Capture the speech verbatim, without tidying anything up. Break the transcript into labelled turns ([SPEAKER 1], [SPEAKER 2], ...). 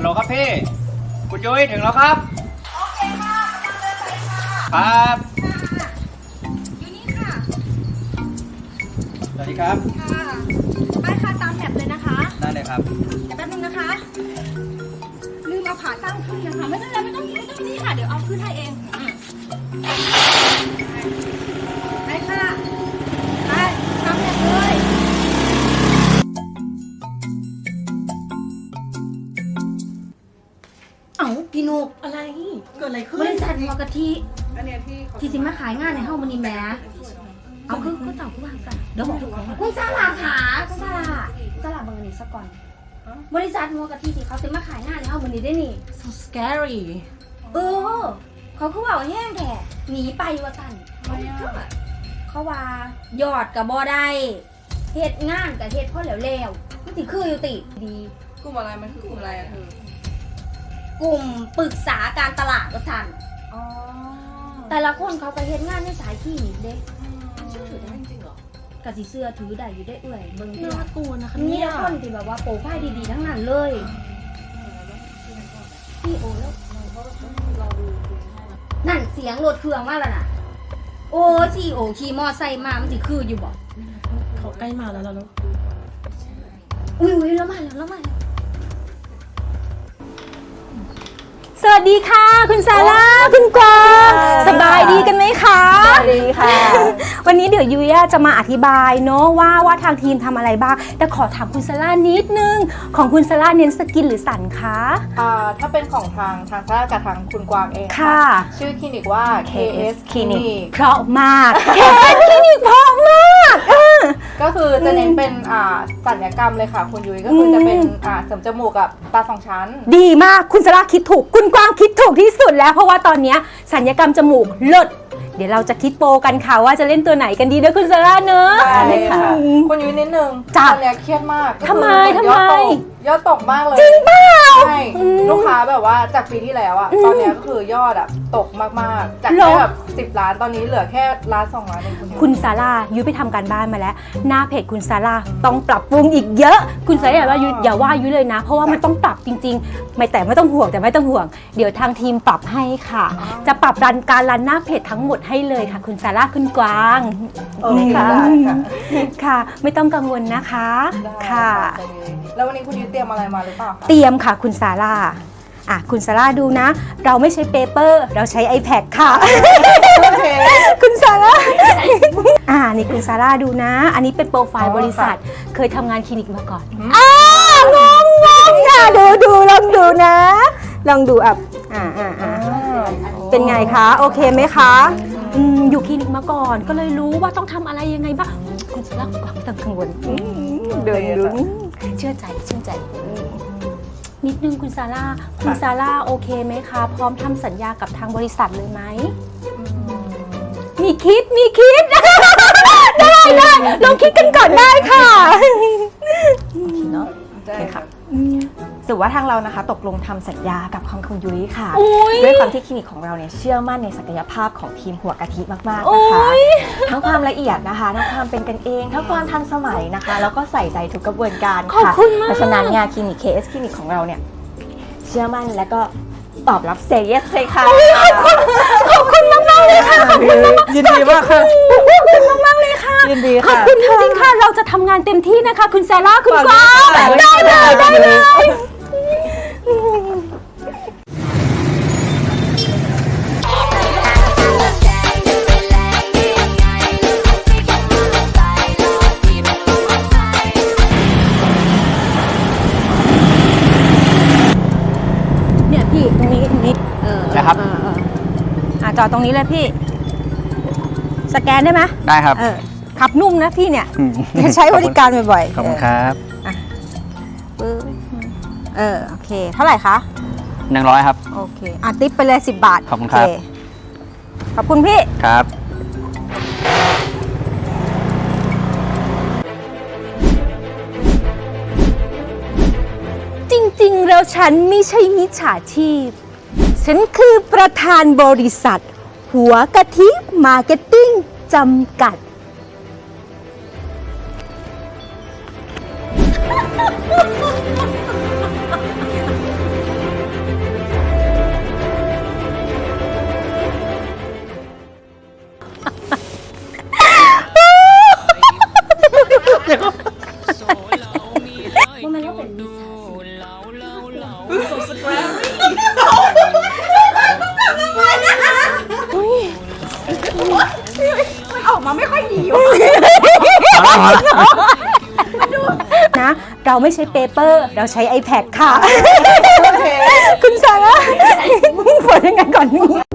[SPEAKER 1] ลครับพี่คุณยุ้ยถึงแล้วครับโอเคค่ะครับ
[SPEAKER 2] อยู่นี่ค่ะ
[SPEAKER 1] สวัสดีครับ
[SPEAKER 2] ค่ะไปค่ะตามแถบเลยนะคะ
[SPEAKER 1] ได้เลยครับ
[SPEAKER 2] แป๊บนึงนะคะลืมเอาขาตั้งขึ้นนะคะไม่ต้องไม่ต้องไม่ต้องนี่ค่ะเดี๋ยวเอาขึ้นให้เองไปค่ะไปตามแถบเลยเอ้าพี่นุก
[SPEAKER 3] อะไรเกิดอะไรขึ้น
[SPEAKER 2] บริษัทหัวกะทิ
[SPEAKER 3] อันเนี้ยที่
[SPEAKER 2] ที่สิมาขายงานในห้องมันนี่แม่เอาคือก็เต่าผู้วางสั่เดี๋ยวบอกทุกคนคุณซาลาขาคุณซาลาซาลาบังเงินสักก่อนบริษัทหัวกะทิที่เขาสิมาขายงานในห้องมันนี่ได้นี่
[SPEAKER 3] so scary
[SPEAKER 2] เออเขาคือว่าแห้งแท้หนีไปว่าสั่นเขาว่ายอดกับบอได้เฮ็ดงานกับเฮ็ดพ่อแล้วแล้วมันสิคืออยู่ติดี
[SPEAKER 3] กลุ่มอะไรมันคือกลุ่มอะไรอะเธอก
[SPEAKER 2] ลุ่มปรึกษาการตลาดว่าสั่น
[SPEAKER 3] อ๋อ
[SPEAKER 2] แต่ละคนเขาก็เฮ็ดงานในสายที่นี่เด้
[SPEAKER 3] เชื่อถือได้จริงเหรอก
[SPEAKER 2] ะสิเสื้อถือได้อยู่ได้เอื่อยเบิ่งที่
[SPEAKER 3] น่ากลัวนะคะ
[SPEAKER 2] มี
[SPEAKER 3] เนี่ย
[SPEAKER 2] แต่คนที่แบบว่าโปรไฟล์ดีๆทั้งนั้นเลยพี่โอแล้วนั่นเสียงรถเครื่องมาแล้วน่ะโอ้ซีโอขี่มอไซค์มามันสิคืออยู่บ่
[SPEAKER 3] เขาใกล้มาแล้วแล้ว
[SPEAKER 2] อุ้ยๆแล้วมาแล้วแล้วมาแล้ว
[SPEAKER 4] สวัสดีค่ะคุณซาร่าคุณกวางสบายดีกันไหมคะสบายดีค่ะ วันนี้เดี๋ยวยุ้ยจะมาอธิบายเนาะว่าว่าทางทีมทำอะไรบ้างแต่ขอถามคุณซาร่านิดนึงของคุณซาร่าเน้นสกินหรือสันคะ
[SPEAKER 5] อ่าถ้าเป็นของทางทางซาร่ากับทางคุณกวางเอง
[SPEAKER 4] ค่ะ
[SPEAKER 5] ชื่อคลินิกว่า เค เอส
[SPEAKER 4] Clinic
[SPEAKER 5] Clinic
[SPEAKER 4] เพราะมาก เค เอส Clinic เพราะมากเออ
[SPEAKER 5] ก็คือจะเน้นเป็นอ่าศัลยกรรมเลยค่ะคุณยุ้ยก็คือจะเป็นอ่าเสริมจมูกกับตาสองชั้น
[SPEAKER 4] ดีมากคุณซาร่าคิดถูกคุณกวางคิดถูกที่สุดแล้วเพราะว่าตอนนี้สัญญกรรมจมูกเลิศเดี๋ยวเราจะคิดโปรกันค่ะว่าจะเล่นตัวไหนกันดีนะคุณซาร่าเนอะ
[SPEAKER 5] ได้เลยค่ะคุณยุ้ยนิดนึง
[SPEAKER 4] จ้ะ
[SPEAKER 5] ตอนเนี้ยเครียดมาก
[SPEAKER 4] ทำไม
[SPEAKER 5] ก็คือ
[SPEAKER 4] ทำไม
[SPEAKER 5] ยอดตกยอดตกมากเลย
[SPEAKER 4] จริงเปล่า
[SPEAKER 5] ใช่ลูกค้าแบบว่าจากปีที่แล้วอะตอนเนี้ยก็คือยอดอะตกมากๆจาก
[SPEAKER 4] เหร
[SPEAKER 5] แค่
[SPEAKER 4] อ
[SPEAKER 5] แบบสิบล้านตอนนี้เหลือแค่ล้านสองล้านเองคุณยุ้ย
[SPEAKER 4] คุณซาร่ายุ้ยไปทำการบ้านมาแล้ว หน้าเพจคุณซาร่าต้องปรับปรุงอีกเยอะ คุณซาร่าอย่าว่ายุ้ยอย่าว่ายุ้ยเลยนะ เพราะว่ามันต้องปรับจริงๆ ไม่แต่ไม่ต้องห่วงแต่ไม่ต้องห่วง เดี๋ยวทางทีมปรับให้ค่ะ จะปรับรันการรันหน้าเพจทั้งหมดให้เลยค่ะ คุณซาร่าคุณกวาง
[SPEAKER 5] โอเค
[SPEAKER 4] ค่ะ
[SPEAKER 5] ได้ค่ะ
[SPEAKER 4] ค่ะ ไม่ต้องกังวลนะคะ
[SPEAKER 5] ได้
[SPEAKER 4] ค่ะ
[SPEAKER 5] แล้ววันนี้คุณยุ้ยเตรียมอะไรมาหรือเปล่าคะ
[SPEAKER 4] เตรียมค่ะคุณซาร่าอ่ะคุณซาร่าดูนะ เราไม่ใช้เปเปอร์เราใช้ iPad ค่ะ คุณซาร่าอ่านี่คุณซาร่าดูนะ อันนี้เป็นโปรไฟล์บริษัท เคยทำงานคลินิกมาก่อนอ่างงงงค่ะดูดูลองดูนะ ลองดูอ่ะอ่าอ่าอ่าเป็นไงคะ โอเคไหมคะอืมอยู่คลินิกมาก่อน ก็เลยรู้ว่าต้องทำอะไรยังไงบ้างคุณซาร่าคุณกวางไม่ต้องกังวลอืมเดินดูเชื่อใจเชื่อใจนิดนึงคุณซาร่าคุณซาร่าโอเคไหมคะ พร้อมทำสัญญากับทางบริษัทเลยไหมมีคิดมีคิด ได้ได้ลองคิดกันก่อนได้ค่ะ
[SPEAKER 5] เนาะได้ค่ะ
[SPEAKER 6] ถือว่าทางเรานะคะตกลงทำสัญญากับของคุณยุ้ยค่ะ
[SPEAKER 4] อุ๊ย
[SPEAKER 6] ด้วยความที่คลินิกของเราเนี่ยเชื่อมั่นในศักยภาพของทีมหัวกะทิมากๆ
[SPEAKER 4] โอ้
[SPEAKER 6] นะคะ
[SPEAKER 4] ย
[SPEAKER 6] ทั้งความละเอียดนะคะทั้งความเป็นกันเองทั้งความทันสมัยนะคะแล้วก็ใส่ใจทุกกระบวนการ
[SPEAKER 4] ขอบ
[SPEAKER 6] ค่ะ
[SPEAKER 4] คุณมาก
[SPEAKER 6] เพราะฉะนั้นเนี่ยคลินิก เค เอส คลินิกของเราเนี่ยเชื่อมั่นและก็ตอบรับเซเยสเลยค่ะ
[SPEAKER 4] ขอบคุณมากมากๆเลยค่ะขอบคุณมาก
[SPEAKER 5] ยินดีมากค่ะ
[SPEAKER 4] ขอบคุณมากมากๆเลยค่ะ
[SPEAKER 5] ยินดี
[SPEAKER 4] ขอบ
[SPEAKER 5] ค่ะ
[SPEAKER 4] คุณจริงๆค่ะ เราจะทำงานเต็มที่นะคะ คุณซาร่าคุณกวาง
[SPEAKER 5] ได้
[SPEAKER 4] ได้
[SPEAKER 5] เล
[SPEAKER 4] เลย ย
[SPEAKER 5] ได้
[SPEAKER 4] ได้
[SPEAKER 5] เล
[SPEAKER 4] เลย ย เนี่ยพี่ตรงนี้ตรงนี้เออ
[SPEAKER 1] นะครับ
[SPEAKER 4] เออเอออ่ะจอดตรงนี้เลยพี่ สแกนได้ไหม
[SPEAKER 1] ได้ครับ
[SPEAKER 4] เออขับนุ่มนะพี่เนี่ย
[SPEAKER 1] อืม
[SPEAKER 4] ใช้บริการบ่อยๆ
[SPEAKER 1] ขอบคุณครับ
[SPEAKER 4] เออเออโอเค เท่าไหร่คะ
[SPEAKER 1] หนึ่งร้อยครับ
[SPEAKER 4] โอเคอ่ะติ๊บไปเลยสิบบาท
[SPEAKER 1] ขอบคุณครับ
[SPEAKER 4] โเขอบคุณพี่
[SPEAKER 1] ครับ
[SPEAKER 4] จริงๆ แล้วฉันไม่ใช่มิจฉาชีพ ฉันคือประธานบริษัท หัวกะทิมาร์เก็ตติ้งจำกัด
[SPEAKER 2] เ
[SPEAKER 4] นะ เราไม่ใช้เปเปอร์ เราใช้ iPad ค่ะ คุณซาร่าผลยังไงก่อนนี้